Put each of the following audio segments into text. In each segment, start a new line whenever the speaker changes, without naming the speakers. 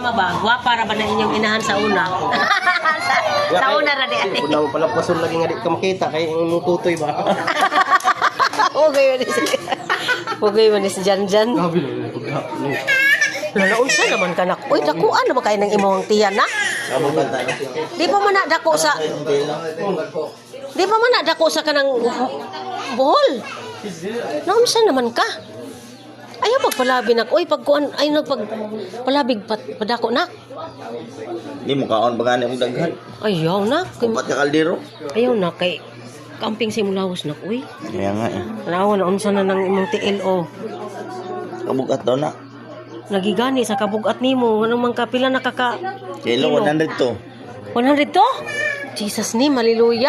Tama ba? Gwapa ra ba na inyong inahan sa una? sa una ra di.
Kung naman pala pasul lagi nga di ka makita kay imong tutoy ba?
Okay man si. Okay man si Janjan.
Grabe lang pagka.
Unsa naman kanak? Uy, dakuan naman kay nang imong tiyan na. Di pa man na dako sa Di pa man na dako sa kanang buhol. Naunsa naman ka? Ayaw pagpalabi nak. Uy, pagkuan ay nagpagpalabig padako nak.
Di mo kaon ba gani mong daghan?
Ayaw nak.
Upat ka kaldero.
Ayaw nak kay camping sa imong lawas nak. Uy,
Kaya nga eh.
naon na unsa na nang imong TLO.
Kabugat daw na.
Nagigani sa kabugat nimo. Anong man kapila nakaka
Kilo 100 to.
100 to? Jesus ni, hallelujah.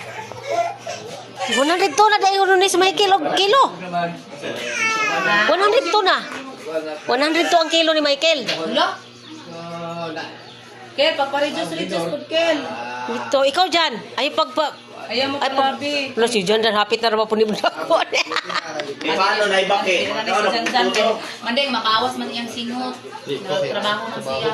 100 to na dahil ni sa may kilo. 100 to na. 100 to ang kilo ni Michael.
Wala. Kel, papareduce food, Kel.
Ito, ikaw dyan. Ay,
Ayaw mo
Ay,
palabi.
Wala si John, hapit na naman po ni Budako.
Paano na ibaki?
Mandeng, makawas man iyang singot. Nagtrabaho man siya.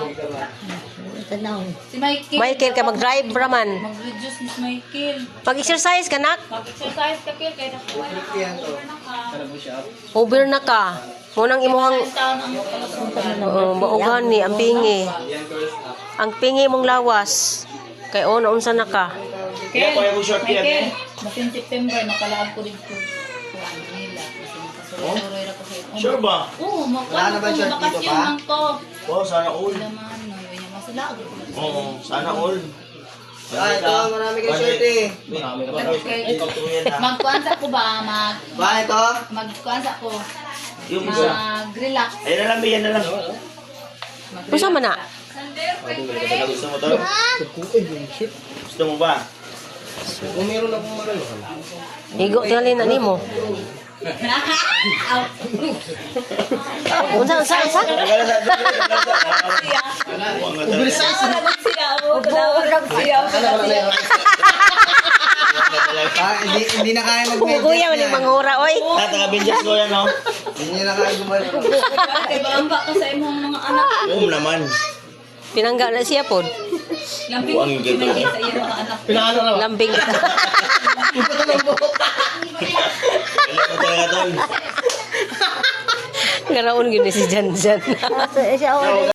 Si Michael.
Michael, ka mag-drive raman.
Mag-reduce ni si Michael.
Mag-exercise ka, nak.
Mag-exercise ka, Kel. Kaya nakuha na ka.
Over na ka. Munang imuhang
Taon ang kalusugan.
baugan ni, ang pingi. Ang pingi mong lawas. Kaya naunsa na ka.
Kel, Michael. Basin September, makalaab ko dito. Kuhaan nila. Kasi makasuroy-suroy na ko sa iyo.
Sure ba?
Oo, makasyon lang to.
Oo, sana all.
Naman, no, yun yung masala.
Oo, sana all.
Ay, ito marami kay swerte.
Magkuansa ko ba?
Ba ito?
Magkuansa ko.
Yung isa.
Mag-relax.
Ayun na lang, yan na lang.
Unsa man na?
Gusto mo to? Gusto mo ba?
Kung meron akong maralo.
Higo tingali na nimo. Unsa?
Hindi na kaya
Kuya man yung manghura oy.
Taga-binjas ko yan, no?
Hindi na kaya gumawa.
Bangga ka sa imong mga anak.
Oo naman.
Pinangga na siya pod.
Lambing
Buang yung gito.
sa iyong mga anak.
Pinano na ba?
Lambing kita.
Kailan mo talaga tol?
Ngaraon gyud ni si Janjan.